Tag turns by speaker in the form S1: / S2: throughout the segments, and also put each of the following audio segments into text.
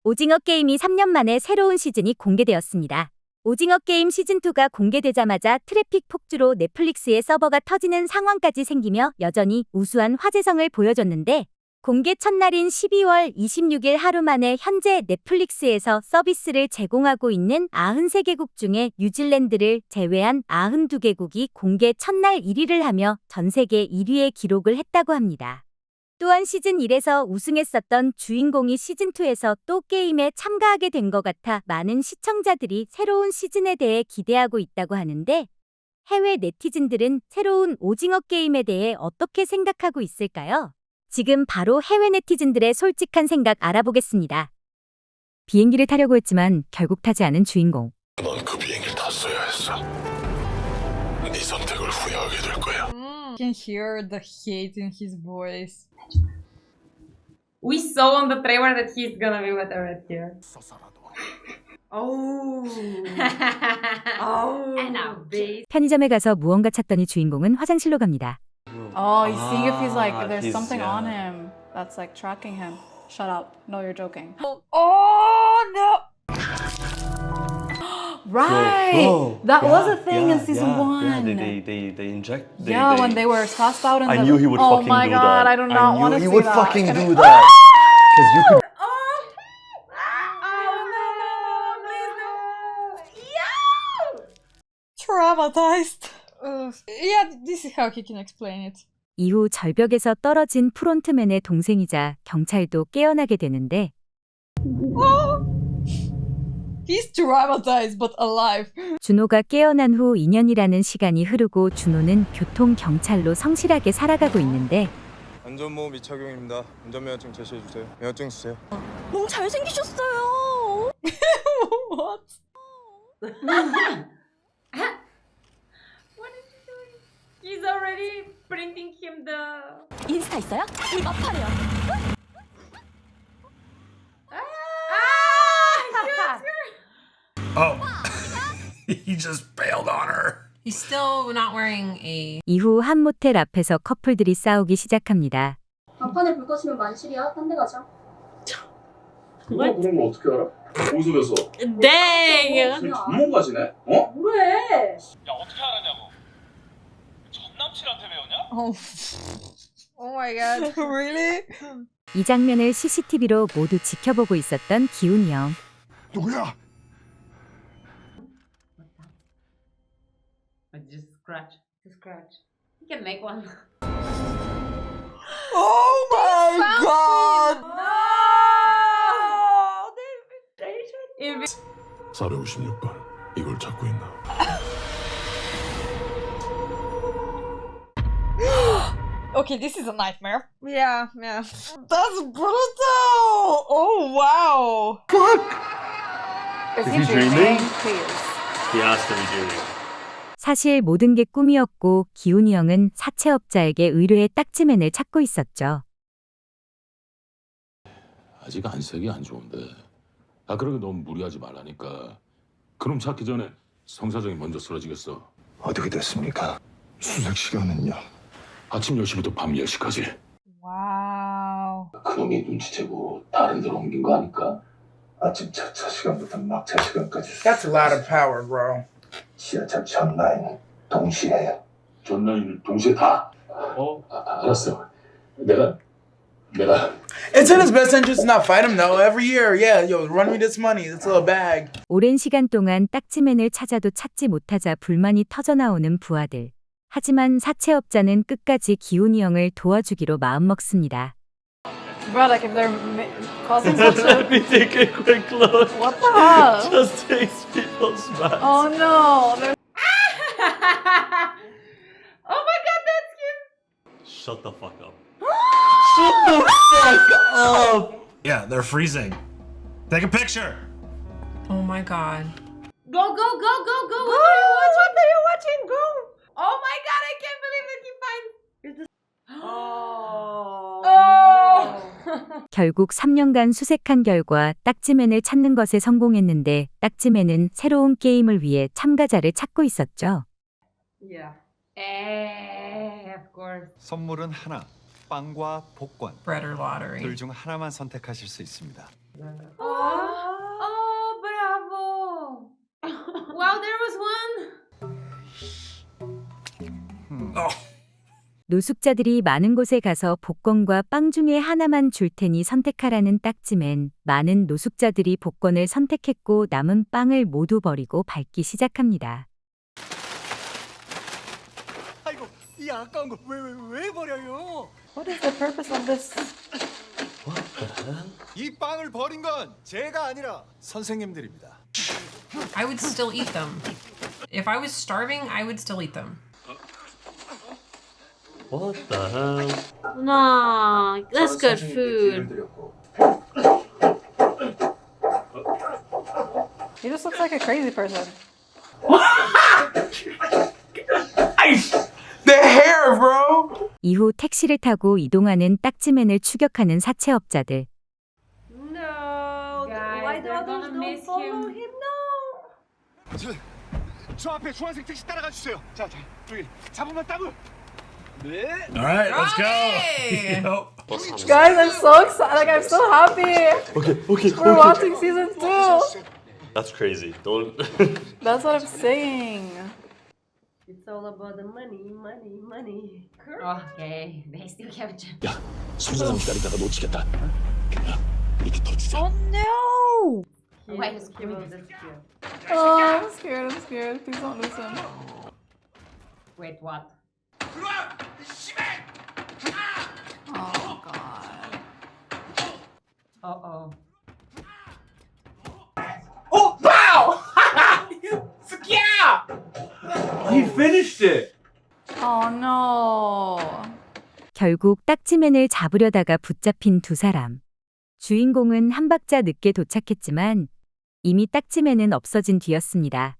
S1: 오징어 게임이 3년 만에 새로운 시즌이 공개되었습니다. 오징어 게임 시즌2가 공개되자마자 트래픽 폭주로 넷플릭스의 서버가 터지는 상황까지 생기며 여전히 우수한 화제성을 보여줬는데 공개 첫날인 12월 26일 하루 만에 현재 넷플릭스에서 서비스를 제공하고 있는 93개국 중에 뉴질랜드를 제외한 92개국이 공개 첫날 1위를 하며 전 세계 1위의 기록을 했다고 합니다. 또한 시즌1에서 우승했었던 주인공이 시즌2에서 또 게임에 참가하게 된 것 같아 많은 시청자들이 새로운 시즌에 대해 기대하고 있다고 하는데 해외 네티즌들은 새로운 오징어 게임에 대해 어떻게 생각하고 있을까요? 지금 바로 해외 네티즌들의 솔직한 생각 알아보겠습니다. 비행기를 타려고 했지만 결국 타지 않은 주인공.
S2: 넌 그 비행기를 탔어야 했어. 네 선택을 후회하게 될 거야.
S3: Can hear the hate in his voice.
S4: We saw on the trailer that he's gonna be with a red hair. Oh. Oh. And a base.
S1: 편의점에 가서 무언가 찾더니 주인공은 화장실로 갑니다.
S5: Oh, he's seeing if he's like, if there's
S6: he's,
S5: something
S6: yeah.
S5: on him that's like tracking him. Shut up. No, you're joking.
S3: Oh no!
S5: Right!
S6: Bro,
S5: That
S6: yeah,
S5: was a thing in
S6: yeah,
S5: season
S6: yeah,
S5: 1.
S6: Yeah, they inject.
S5: Yeah, when they were sussed out in
S6: I
S5: the...
S6: knew he would
S5: oh
S6: fucking
S5: my
S6: do
S5: god,
S6: that.
S5: I do not want to
S6: I
S5: see
S6: knew he would
S5: that.
S6: fucking
S5: Can I-
S6: do that. Because you could.
S4: Oh no, please no. Yo!
S3: Traumatized. Yeah, this is how he can explain it.
S1: 이후 절벽에서 떨어진 프론트맨의 동생이자 경찰도 깨어나게 되는데
S3: He's traumatized but alive.
S1: 준호가 깨어난 후 2년이라는 시간이 흐르고 준호는 교통경찰로 성실하게 살아가고 있는데
S7: 안전모험 미착용입니다. 운전면허증 제시해주세요. 면허증 주세요.
S8: 너무 잘생기셨어요.
S3: What?
S4: What is he doing? He's already printing him the.
S8: 인스타 있어요? 우리 마팔이야.
S2: Oh, he just bailed on her.
S9: He's still not wearing a.
S1: 이후 한 모텔 앞에서 커플들이 싸우기 시작합니다.
S10: 막판에 불 꺼지면 만실이야. 딴 데 가자.
S2: 그런 걸 어떻게 알아? 어디서 뵀어?
S9: Dang!
S2: 전문가시네? 어?
S10: 뭐래?
S11: 야 어떻게 알았냐고. 전 남친한테 배웠냐?
S3: Oh. Oh my god. Really?
S1: 이 장면을 CCTV로 모두 지켜보고 있었던 기훈이 형.
S2: 누구야?
S4: Just scratch. Just scratch. He can make one.
S3: Oh my god!
S4: No! If
S2: 456번. 이걸 찾고 있나?
S3: Okay, this is a nightmare. Yeah, yeah. That's brutal! Oh wow!
S5: Is
S6: Is
S5: he
S6: he
S5: dreaming?
S6: dreaming?
S5: Please.
S6: He has to be doing.
S1: 사실 모든 게 꿈이었고 기훈이 형은 사채업자에게 의뢰의 딱지맨을 찾고 있었죠.
S12: 아직 안색이 안 좋은데. 그러게 너무 무리하지 말라니까. 그놈 찾기 전에 성사정이 먼저 쓰러지겠어.
S2: 어떻게 됐습니까? 수색 시간은요?
S12: 아침 10시부터 밤 10시까지.
S3: Wow.
S12: 그놈이 눈치채고 다른 데로 옮긴 거 아닐까?
S2: 아침 차차 시간부터 막차 시간까지
S11: That's a lot of power, bro.
S2: 지하철 전 라인 동시에
S12: 전 라인을 동시에 다? 알았어. 내가
S11: It's in his best interest to not fight him, though. Every year, yeah, yo, run me this money, this little bag.
S1: 오랜 시간 동안 딱지맨을 찾아도 찾지 못하자 불만이 터져나오는 부하들. 하지만 사채업자는 끝까지 기훈이 형을 도와주기로 마음먹습니다.
S5: Bro, like if they're causing such a...
S6: Let me take a quick look.
S5: What the hell?
S6: Just takes people's masks.
S5: Oh no! There's...
S4: oh my god, that's him!
S6: Shut the fuck up. Shut the fuck up!
S2: Yeah, they're freezing. Take a picture.
S9: Oh my god.
S4: Go, go, go, go, go! What are you watching? Go! Oh my god, I can't believe that he finds. Oh.
S1: 결국 3년간 수색한 결과 딱지맨을 찾는 것에 성공했는데 딱지맨은 새로운 게임을 위해 참가자를 찾고 있었죠.
S4: Yeah. Of course.
S13: 선물은 하나, 빵과 복권.
S9: Bread or lottery.
S13: 둘 중 하나만 선택하실 수 있습니다.
S4: Oh.
S1: 노숙자들이 많은 곳에 가서 복권과 빵 중에 하나만 줄 테니 선택하라는 딱지맨. 많은 노숙자들이 복권을 선택했고 남은 빵을 모두 버리고 밟기 시작합니다.
S6: 아이고, 이 아까운 거 왜 버려요?
S5: What is the purpose of this?
S6: 이 빵을 버린 건 제가 아니라 선생님들입니다.
S9: I would still eat them. If I was starving, I would still eat them.
S6: What the hell?
S8: Nah, that's good food.
S5: He just looks like a crazy person.
S11: The hair, bro.
S1: 이후 택시를 타고 이동하는 딱지맨을 추격하는 사채업자들.
S4: No.
S9: Guys,
S4: Why the
S9: they're
S4: others
S9: gonna
S4: don't
S9: miss
S4: follow
S9: him.
S4: him? No.
S6: 저 앞에 주황색 택시 따라가 주세요. 자, 저기 잡으면 따블. 네.
S11: All right, let's
S9: Hey!
S11: go.
S5: Guys, I'm so excited. Like, I'm so happy.
S6: Okay.
S5: We're watching season 2.
S6: That's crazy. Don't.
S5: That's what I'm saying.
S4: It's all about the money.
S9: Okay, they still have to.
S12: 야, 손사람 기다리다가 놓치겠다. 야, 이렇게 더 주자.
S8: No!
S9: Why is
S4: He will disappear.
S5: Oh, I'm scared. Please don't lose him.
S9: Wait, what?
S5: Oh, God.
S9: Uh-oh.
S11: Oh, wow! Yeah! He finished it.
S5: Oh, no.
S1: 결국 딱지맨을 잡으려다가 붙잡힌 두 사람. 주인공은 한 박자 늦게 도착했지만 이미 딱지맨은 없어진 뒤였습니다.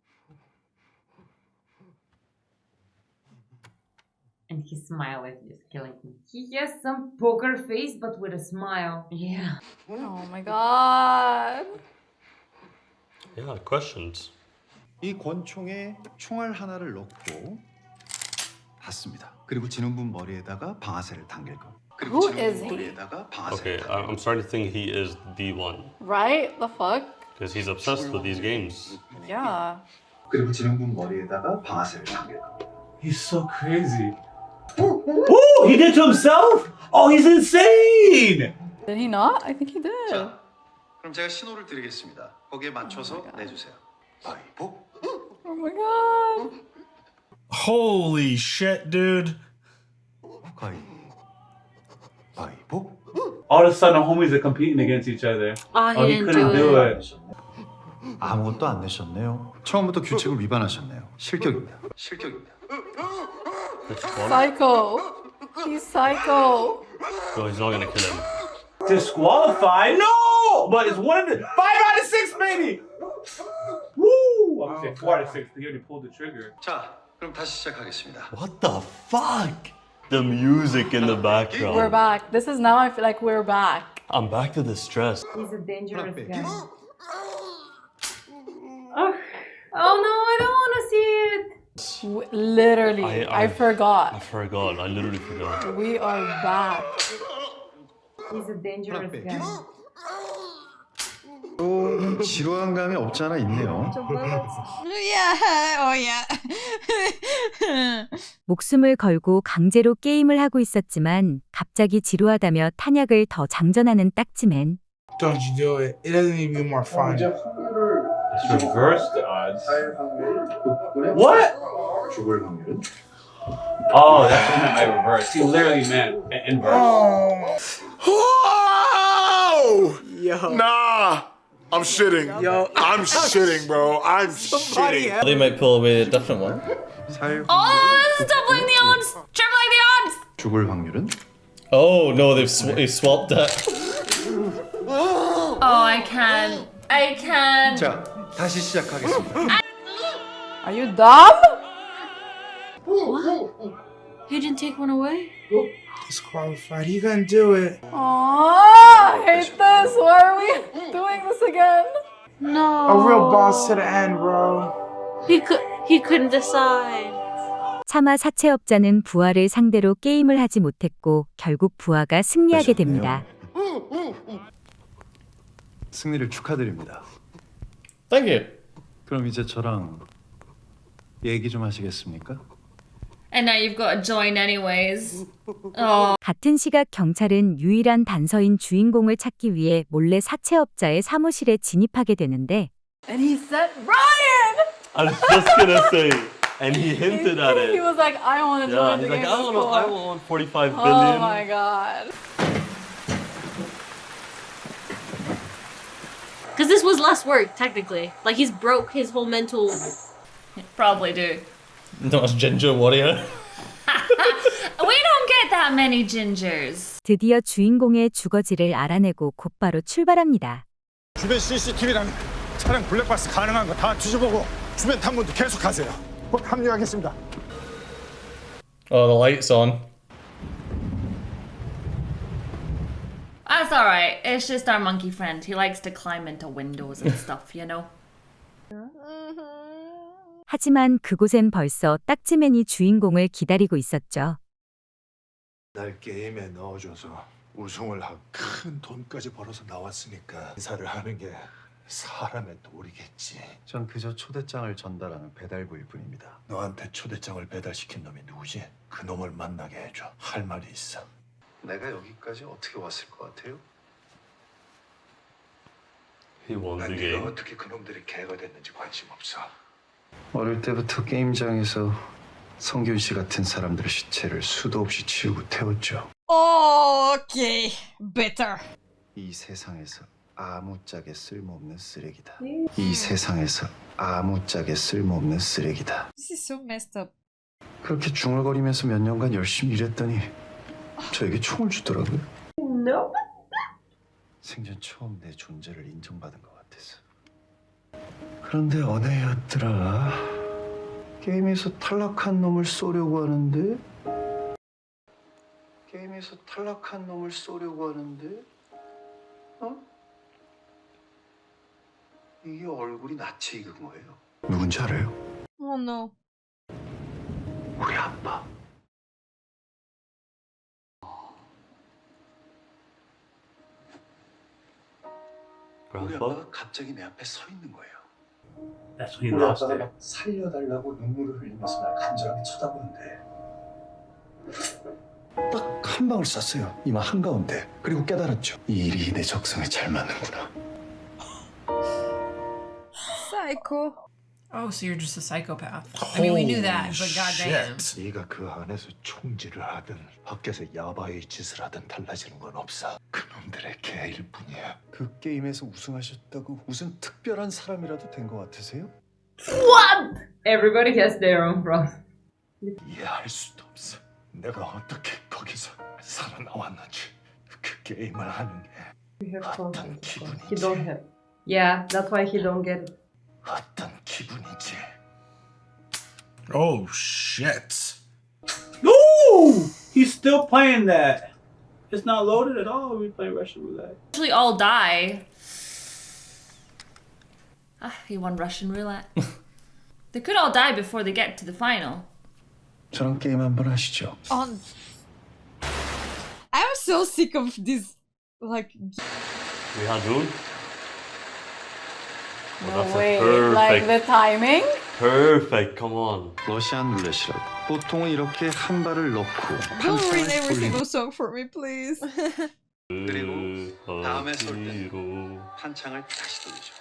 S9: And his smile is just killing me. He has some poker face, but with a smile. Yeah.
S5: Oh, my God.
S6: Yeah, questions.
S13: 이 권총에 총알 하나를 넣고 받습니다. 그리고 진원분 머리에다가 방아쇠를 당길 거. 그리고
S5: Who is
S13: 진원분
S5: he?
S13: 머리에다가 방아쇠를
S6: Okay, I'm starting to think he is the one
S5: Right? The fuck?
S6: because he's obsessed with these games.
S5: Yeah.
S13: 그리고 진원분 머리에다가 방아쇠를 당길 거.
S11: He's so crazy. Oh, he did to himself? Oh, he's insane.
S5: Did he not? I think he did.
S13: 자, 그럼 제가 신호를 드리겠습니다. 거기에 맞춰서 내주세요. 바이보.
S5: Oh my God.
S2: Holy shit, dude.
S13: 바이보.
S11: All of a sudden, homies are competing against each other.
S8: Oh,
S11: Oh, he couldn't do it.
S13: 아무것도 안 내셨네요. 처음부터 규칙을 위반하셨네요. 실격입니다. 실격입니다.
S5: Psycho. He's psycho.
S6: No, he's not gonna kill him.
S11: Disqualified? No! But it's 5 out of 6, baby! Woo! I'm saying 4 out of 6. He already pulled the trigger.
S13: 자, 그럼 다시 시작하겠습니다.
S6: What the fuck? The music in the background.
S5: We're back. This is now I feel like we're back.
S6: I'm back to the stress.
S9: He's a dangerous guy. Oh no, I don't want to see it.
S5: Literally, I forgot.
S6: I forgot. I literally forgot.
S5: We are back.
S9: He's a dangerous guy.
S13: 좀 지루한 감이 없지 않아 있네요.
S1: 목숨을 걸고 강제로 게임을 하고 있었지만 갑자기 지루하다며 탄약을 더 장전하는 딱지맨.
S11: Don't you do it. It doesn't need to be more fun. It's reversed the odds. What?
S13: 죽을 확률은?
S11: Oh, that's what I reversed. He literally meant inverse.
S2: Whoa! Yo. Nah. I'm shitting.
S11: Yo.
S2: I'm shitting, bro. I'm shitting.
S6: They might pull away a different one.
S8: Oh, this is doubling the odds! Tripling the odds!
S13: 죽을 확률은?
S6: Oh no, they've swapped it.
S8: Oh, I can't.
S13: 자, 다시 시작하겠습니다.
S5: Are you dumb?
S8: He didn't take one away?
S11: Disqualified. He couldn't do it.
S5: Aww, I hate this. Why are we doing this again?
S8: No.
S11: A real boss to the end, bro.
S8: He couldn't decide.
S1: 차마 사채업자는 부하를 상대로 게임을 하지 못했고 결국 부하가 승리하게 됩니다.
S13: 승리를 축하드립니다.
S6: Thank you.
S13: 그럼 이제 저랑 얘기 좀 하시겠습니까?
S8: And now you've got to join anyways. Oh.
S1: 같은 시각 경찰은 유일한 단서인 주인공을 찾기 위해 몰래 사채업자의 사무실에 진입하게 되는데
S5: And he said, Brian!
S11: I was just gonna say, and he hinted at
S5: He
S11: it.
S5: was like, I want to
S11: Yeah,
S5: join the
S11: he's like,
S5: game.
S11: I want 45
S5: Oh
S11: billion.
S5: my god.
S8: Because this was less work, technically. Like, he's broke his whole mental... Probably do.
S11: Not as Ginger Warrior.
S8: We don't get that many gingers.
S1: 드디어 주인공의 주거지를 알아내고 곧바로 출발합니다.
S6: 주변 CCTV랑 차량 블랙박스 가능한 거 다 뒤져보고 주변 탐문도 계속하세요. 곧 합류하겠습니다.
S11: Oh, the light's on.
S8: That's alright. It's just our monkey friend. He likes to climb into windows and stuff, you know?
S1: 하지만 그곳엔 벌써 딱지맨이 주인공을 기다리고 있었죠.
S2: 날 게임에 넣어줘서 우승을 하고 큰 돈까지 벌어서 나왔으니까 인사를 하는 게 사람의 도리겠지.
S13: 전 그저 초대장을 전달하는 배달부일 뿐입니다.
S2: 너한테 초대장을 배달시킨 놈이 누구지? 그 놈을 만나게 해줘. 할 말이 있어.
S13: 내가 여기까지 어떻게 왔을 것 같아요?
S2: 난 네가 어떻게 그 놈들이 개가 됐는지 관심 없어.
S13: 어릴 때부터 게임장에서 성균 씨 같은 사람들의 시체를 수도 없이 치우고 태웠죠.
S3: Okay, better.
S13: 이 세상에서 아무짝에 쓸모없는 쓰레기다. 이 세상에서 아무짝에 쓸모없는 쓰레기다.
S3: This is so messed up.
S13: 그렇게 중얼거리면서 몇 년간 열심히 일했더니 저에게 총을 주더라고요.
S4: No.
S13: 생전 처음 내 존재를 인정받은 것 같아서. 그런데 어느 해였더라. 게임에서 탈락한 놈을 쏘려고 하는데 게임에서 탈락한 놈을 쏘려고 하는데 이게 얼굴이 낯이 익은 거예요. 누군지 알아요?
S3: Oh no.
S13: 우리 아빠. 우리 아빠가 갑자기 내 앞에 서 있는 거예요.
S11: That's when he
S13: 우리
S11: lost
S13: 아빠가
S11: it.
S13: 막 살려달라고 눈물을 흘리면서 날 간절하게 쳐다보는데 딱 한 방울 쐈어요. 이마 한가운데. 그리고 깨달았죠. 이 일이 내 적성에 잘 맞는구나.
S3: Psycho.
S5: Oh, so you're just a psychopath. I mean, we knew that, but goddamn.
S2: 네가 그 안에서 총질을 하든 밖에서 야바이 짓을 하든 달라지는 건 없어. 그놈들의 개일 뿐이야.
S13: 그 게임에서 우승하셨다고 무슨 특별한 사람이라도 된 것 같으세요?
S9: What? Everybody has their own problem.
S2: 이해할 수도 없어. 내가 어떻게 거기서 살아나왔는지 그 게임을 하는 게 어떤 기분인지.
S9: He don't have. Yeah, that's why he don't get it.
S2: 어떤 기분인지.
S6: Oh shit.
S11: No! He's still playing that. It's not loaded at all. We play Russian roulette.
S8: Actually all die. Ah, he won Russian roulette. They could all die before they get to the final.
S13: 저랑 게임 한번 하시죠.
S3: I'm so sick of this. Like,
S11: We had Rune.
S5: No way. Like the timing?
S11: Perfect, come on.
S13: 러시안 룰렛이라고. 보통은 이렇게 한 발을 넣고
S3: don't
S13: 판창을
S3: ruin every
S13: 돌리는.
S3: single song for me, please.
S13: 그리고 다음에 쏠 때는 판창을 다시 돌리죠.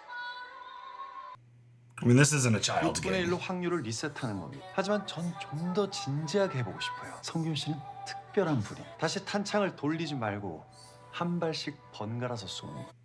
S6: I mean, this isn't a child's
S13: 6분의
S6: game.
S13: 1로 확률을 리셋하는 겁니다. 하지만 전 좀 더 진지하게 해보고 싶어요. 성균 씨는 특별한 분이. 다시 탄창을 돌리지 말고 한 발씩 번갈아서 쏘는 거예요.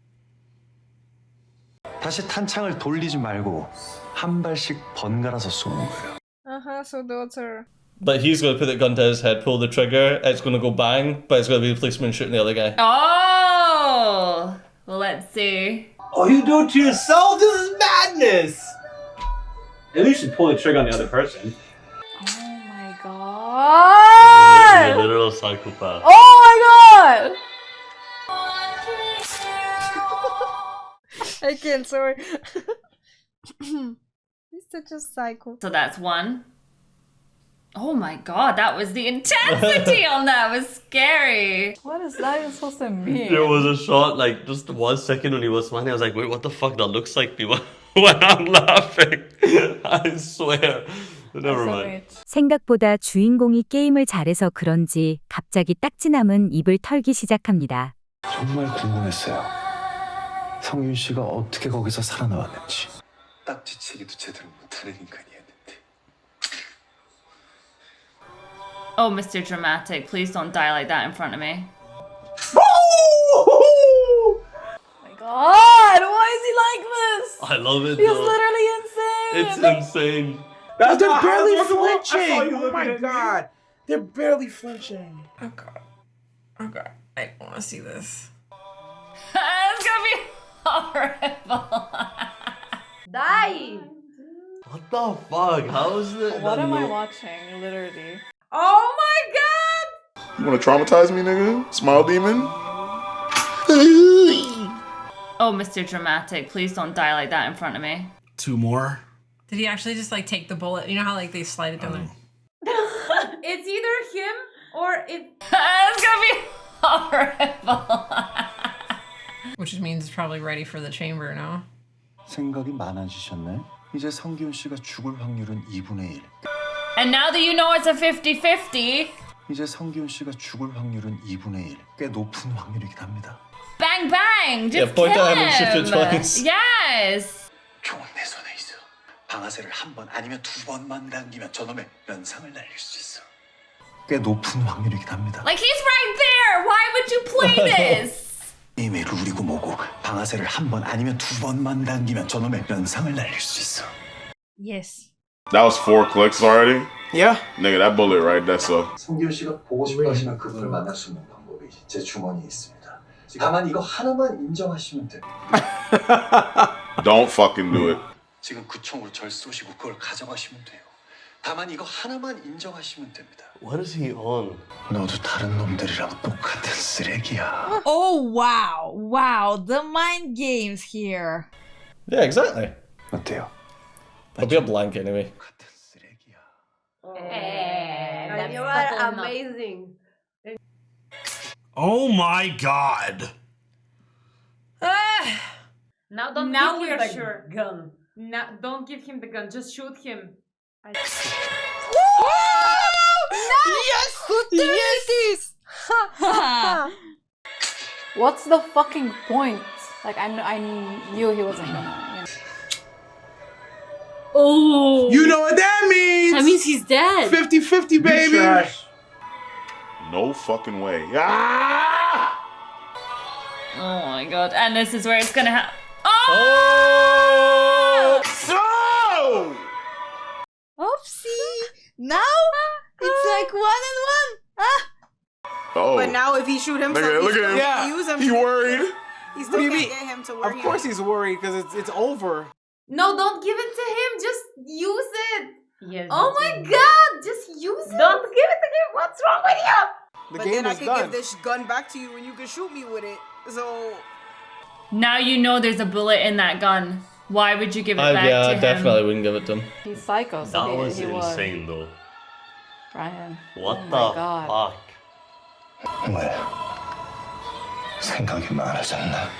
S13: 다시 탄창을 돌리지 말고 한 발씩 번갈아서 쏘는 거예요.
S3: So daughter.
S11: But he's going to put the gun to his head, pull the trigger, it's going to go bang, but it's going to be the policeman shooting the other guy.
S8: Oh! Well, let's see.
S11: Oh, you do it to yourself? This is madness! At least you pull the trigger on the other person.
S5: Oh my god!
S11: You're a literal psychopath.
S5: Oh my god!
S3: I can't, sorry. He's such a psycho.
S8: So that's one. Oh my god, that was the intensity on that. It was scary.
S5: What is that even supposed to mean?
S11: There was a shot, like, just 1 second when he was smiling, I was like, wait, what the fuck? That looks like me when I'm laughing. I swear. Never mind.
S1: 생각보다 주인공이 게임을 잘해서 그런지 갑자기 딱지남은 입을 털기 시작합니다.
S13: 정말 궁금했어요. 성윤 씨가 어떻게 거기서 살아나왔는지. 딱지치기도 제대로 못하는 인간이었는데.
S8: Oh, Mr. Dramatic, please don't die like that in front of me.
S5: God, why is he like this?
S11: I love it.
S5: He's
S11: though.
S5: literally insane.
S11: It's insane.
S14: That's
S11: They're
S14: not barely
S11: how I saw
S14: flinching.
S11: you
S14: Oh
S11: looking
S14: my
S11: at me.
S14: god. They're barely flinching. Okay. Okay. I want to see this.
S8: It's gonna be horrible.
S4: Die!
S11: What the fuck? How is it?
S5: What am I watching? Literally.
S4: Oh my god!
S6: You want to traumatize me, nigga? Smile demon?
S8: Oh, Mr. Dramatic, please don't die like that in front of me.
S14: 2 more.
S4: Did he actually just like take the bullet? You know how like they slide it down there? It's either him or it.
S8: It's gonna be horrible.
S4: Which means it's probably ready for the chamber now.
S13: 생각이 많아지셨네. 이제 성기훈 씨가 죽을 확률은 2분의 1.
S8: And now that you know it's a 50-50,
S13: 이제 성기훈 씨가 죽을 확률은 2분의 1. 꽤 높은 확률이긴 합니다.
S8: bang bang, just
S11: point
S8: kill
S11: at him and shift it
S8: him.
S11: twice.
S8: Yes.
S13: 총은 내 손에 있어. 방아쇠를 한 번 아니면 2번만 당기면 저놈의 면상을 날릴 수 있어. 꽤 높은 확률이긴 합니다.
S8: Like he's right there. Why would you play this?
S13: 게임의 룰이고 뭐고 방아쇠를 한 번 아니면 2번만 당기면 저놈의 면상을 날릴 수 있어.
S4: Yes.
S6: That was 4 clicks already?
S14: Yeah.
S6: Nigga, that bullet right, that's a...
S13: 성기훈 씨가 보고 싶어 하시면 그분을 만날 수 있는 방법이 제 주머니에 있습니다. 다만 이거 하나만 인정하시면 돼요.
S6: Don't fucking do it.
S13: 지금 그 총으로 절 쏘시고 그걸 가져가시면 돼요. 다만 이거 하나만 인정하시면 됩니다.
S11: What is he on?
S13: 너도 다른 놈들이랑 똑같은 쓰레기야.
S3: Oh wow, wow, the mind games here.
S11: Yeah, exactly.
S13: 어때요?
S11: I'll be a blank anyway.
S13: 똑같은 쓰레기야.
S4: You are amazing.
S14: Oh my god.
S9: Now don't
S4: Now
S9: give
S4: we
S9: him
S4: are
S9: the
S4: sure.
S9: gun. Now don't give him the gun. Just shoot him.
S3: Yes! Who did this?
S5: What's the fucking point? Like I knew he wasn't gonna.
S4: Oh!
S14: You know what that means?
S4: That means he's dead.
S14: 50-50, baby.
S11: Trash.
S6: No fucking way. Ah!
S8: Oh my god! And this is where it's gonna happen.
S11: Oh!
S6: So!
S3: Oopsie! Now it's like 1 and 1. Ah.
S6: Oh.
S15: But now if he shoot himself,
S6: Nigga, look
S15: he's
S6: at him.
S14: Yeah.
S15: use him.
S6: He worried.
S15: He
S14: What
S15: still
S14: do you
S15: can't
S14: mean?
S15: get him to worry.
S14: Of course he's worried because it's over.
S4: No, don't give it to him. Just use it.
S9: Yes.
S4: Oh my god! Just use it.
S9: Don't give it to him. What's wrong with you?
S14: The
S15: But
S14: game
S15: then I
S14: is
S15: could
S14: done.
S15: give this gun back to you and you can shoot me with it. So
S8: Now you know there's a bullet in that gun. Why would you give it back
S11: Yeah,
S8: to
S11: I
S8: him?
S11: definitely wouldn't give it to him.
S5: He's psycho. So
S11: That was
S5: he
S11: insane though.
S5: Ryan.
S11: What
S5: Oh
S11: the
S5: my God.
S11: fuck?
S13: 왜? 생각이 많아졌나?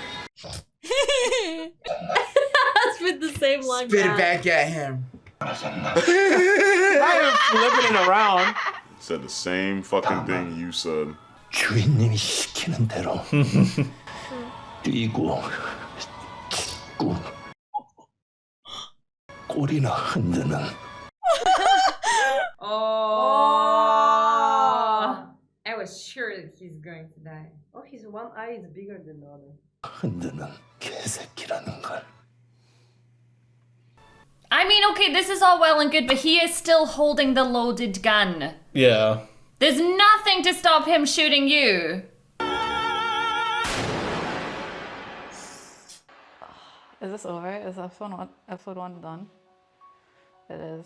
S4: That's with the same line.
S14: Spit it back at him.
S13: 많아졌나?
S14: Not even flipping it around.
S6: Said the same fucking thing you said.
S13: 주인님이 시키는 대로 뛰고 찢고 꼬리나 흔드는
S9: Oh. I was sure that he's going to die.
S4: Oh, his one eye is bigger than the other.
S13: 흔드는 개새끼라는 걸.
S8: I mean, okay, this is all well and good, but he is still holding the loaded gun.
S11: Yeah.
S8: There's nothing to stop him shooting you.
S5: Is this over? Is episode 1 done? It is.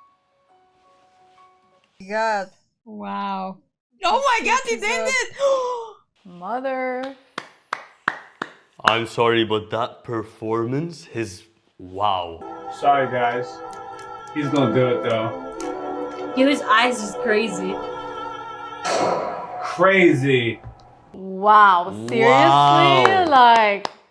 S3: God. Wow. Oh my god, he did it!
S5: Mother.
S11: I'm sorry, but that performance is wow. Sorry, guys. He's gonna do it though.
S4: Yo, his eyes is crazy.
S11: Crazy.
S5: Wow. Seriously?
S11: Wow.
S5: Like.